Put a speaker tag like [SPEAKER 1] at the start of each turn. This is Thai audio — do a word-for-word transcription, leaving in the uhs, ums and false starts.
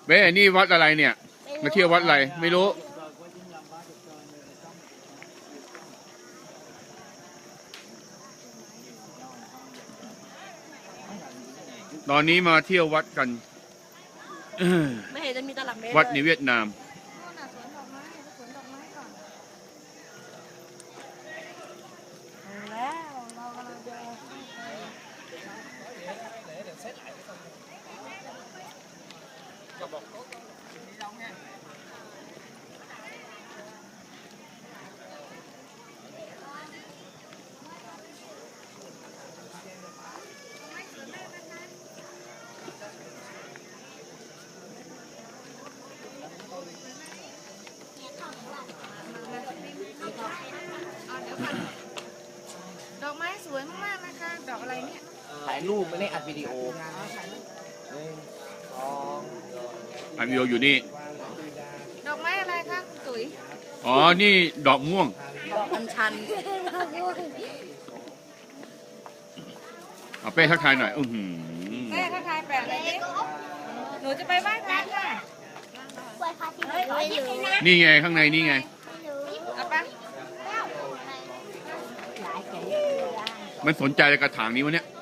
[SPEAKER 1] เว้ยนี่วัดอะไรเนี่ยมาเที่ยววัดอะไรไม่รู้ตอนนี้มาเที่ยววัดกัน
[SPEAKER 2] ไม่เห็นจะมีตลับเมตร
[SPEAKER 1] วัดในเวียดนาม
[SPEAKER 2] แล้วเรากำลังจะดอกไม้สวยมากๆนะคะดอกอะไรเนี่ย
[SPEAKER 3] ถ่ายรูปไม่ได้อัดวิดีโอหนึ่งสอง
[SPEAKER 1] อันวิโออยู่นี่
[SPEAKER 2] ดอกไม้อะไรคะตุ๋ย
[SPEAKER 1] อ๋อนี่ดอกม่วง
[SPEAKER 2] ดอกอัญชัน
[SPEAKER 1] เอาเป้ทักทายหน่อยอือหือ
[SPEAKER 2] แม่ทักทายแปะเลยดิหนูจะไปไหว้พระค่ะ
[SPEAKER 1] นี่ไงข้างในนี่ไง
[SPEAKER 2] เอาปะ
[SPEAKER 1] มันสนใจกระถางนี้วะเนี่ย